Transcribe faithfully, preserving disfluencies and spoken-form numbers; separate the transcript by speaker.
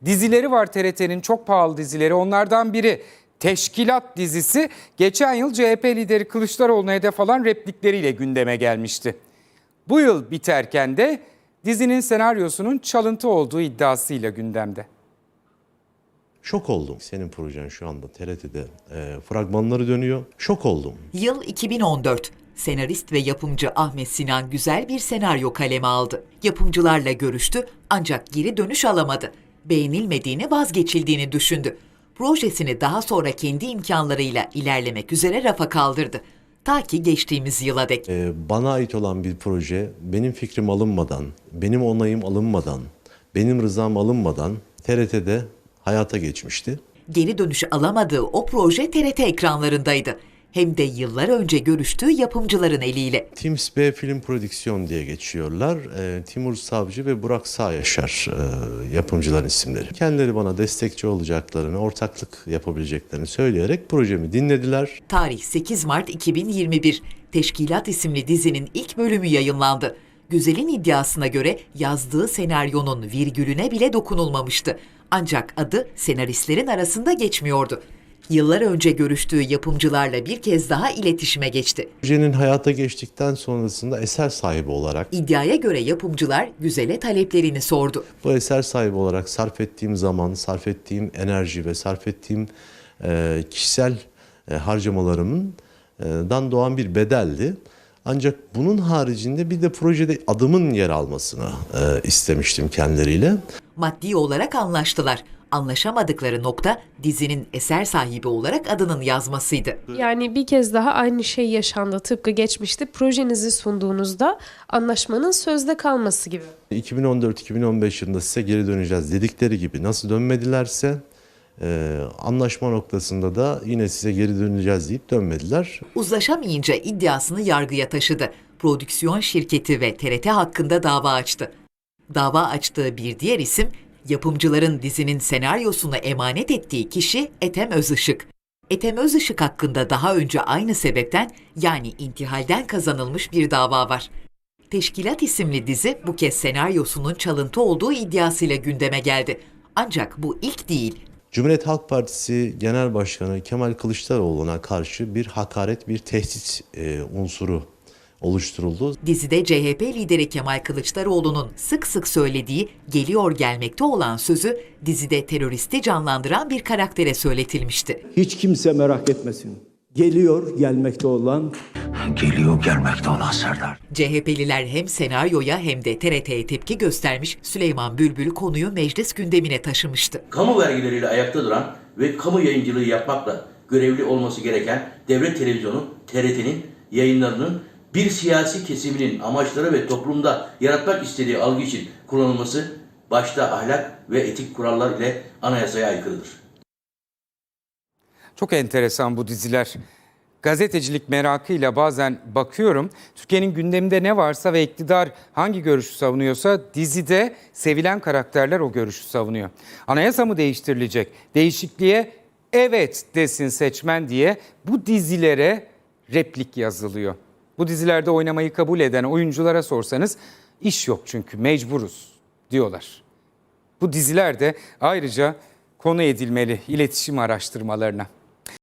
Speaker 1: dizileri var T R T'nin, çok pahalı dizileri. Onlardan biri Teşkilat dizisi geçen yıl C H P lideri Kılıçdaroğlu'na hedef alan replikleriyle gündeme gelmişti. Bu yıl biterken de dizinin senaryosunun çalıntı olduğu iddiasıyla gündemde.
Speaker 2: Şok oldum. Senin projen şu anda T R T'de e, fragmanları dönüyor. Şok oldum.
Speaker 3: Yıl iki bin on dört. Senarist ve yapımcı Ahmet Sinan güzel bir senaryo kaleme aldı. Yapımcılarla görüştü ancak geri dönüş alamadı. Beğenilmediğini, vazgeçildiğini düşündü. Projesini daha sonra kendi imkanlarıyla ilerlemek üzere rafa kaldırdı. Ta ki geçtiğimiz yıla dek.
Speaker 2: E, bana ait olan bir proje benim fikrim alınmadan, benim onayım alınmadan, benim rızam alınmadan T R T'de hayata geçmişti.
Speaker 3: Geri dönüş alamadığı o proje T R T ekranlarındaydı. Hem de yıllar önce görüştüğü yapımcıların eliyle.
Speaker 2: Teams B Film Prodüksiyon diye geçiyorlar. E, Timur Savcı ve Burak Sağyaşar e, yapımcıların isimleri. Kendileri bana destekçi olacaklarını, ortaklık yapabileceklerini söyleyerek projemi dinlediler.
Speaker 3: Tarih sekiz Mart iki bin yirmi bir. Teşkilat isimli dizinin ilk bölümü yayınlandı. Güzel'in iddiasına göre yazdığı senaryonun virgülüne bile dokunulmamıştı. Ancak adı senaristlerin arasında geçmiyordu. Yıllar önce görüştüğü yapımcılarla bir kez daha iletişime geçti.
Speaker 2: Projenin hayata geçtikten sonrasında eser sahibi olarak,
Speaker 3: İddiaya göre yapımcılar Güzel'e taleplerini sordu.
Speaker 2: bu eser sahibi olarak sarf ettiğim zaman, sarf ettiğim enerji ve sarf ettiğim e, kişisel e, harcamalarımın e, dan doğan bir bedeldi. Ancak bunun haricinde bir de projede adımın yer almasını e, istemiştim kendileriyle.
Speaker 3: Maddi olarak anlaştılar. Anlaşamadıkları nokta dizinin eser sahibi olarak adının yazmasıydı.
Speaker 4: Yani bir kez daha aynı şey yaşandı. Tıpkı geçmişte projenizi sunduğunuzda anlaşmanın sözde kalması gibi.
Speaker 2: iki bin on dört iki bin on beş yılında size geri döneceğiz dedikleri gibi nasıl dönmedilerse e, anlaşma noktasında da yine size geri döneceğiz deyip dönmediler.
Speaker 3: Uzlaşamayınca iddiasını yargıya taşıdı. Prodüksiyon şirketi ve T R T hakkında dava açtı. Dava açtığı bir diğer isim, yapımcıların dizinin senaryosunu emanet ettiği kişi Ethem Özışık. Ethem Özışık hakkında daha önce aynı sebepten, yani intihalden kazanılmış bir dava var. Teşkilat isimli dizi bu kez senaryosunun çalıntı olduğu iddiasıyla gündeme geldi. Ancak bu ilk değil.
Speaker 2: Cumhuriyet Halk Partisi Genel Başkanı Kemal Kılıçdaroğlu'na karşı bir hakaret, bir tehdit e, unsuru oluşturuldu.
Speaker 3: Dizide C H P lideri Kemal Kılıçdaroğlu'nun sık sık söylediği geliyor gelmekte olan sözü dizide teröristi canlandıran bir karaktere söyletilmişti.
Speaker 5: Hiç kimse merak etmesin. Geliyor gelmekte olan...
Speaker 6: Geliyor gelmekte olan Serdar.
Speaker 3: C H P'liler hem senaryoya hem de T R T'ye tepki göstermiş, Süleyman Bülbül konuyu meclis gündemine taşımıştı.
Speaker 7: Kamu vergileriyle ayakta duran ve kamu yayıncılığı yapmakla görevli olması gereken devlet televizyonu T R T'nin yayınlarının bir siyasi kesiminin amaçları ve toplumda yaratmak istediği algı için kullanılması başta ahlak ve etik kurallar ile anayasaya aykırıdır.
Speaker 1: Çok enteresan bu diziler. Gazetecilik merakıyla bazen bakıyorum. Türkiye'nin gündeminde ne varsa ve iktidar hangi görüşü savunuyorsa dizide sevilen karakterler o görüşü savunuyor. Anayasa mı değiştirilecek? Değişikliğe evet desin seçmen diye bu dizilere replik yazılıyor. Bu dizilerde oynamayı kabul eden oyunculara sorsanız iş yok çünkü mecburuz diyorlar. Bu diziler de ayrıca konu edilmeli iletişim araştırmalarına.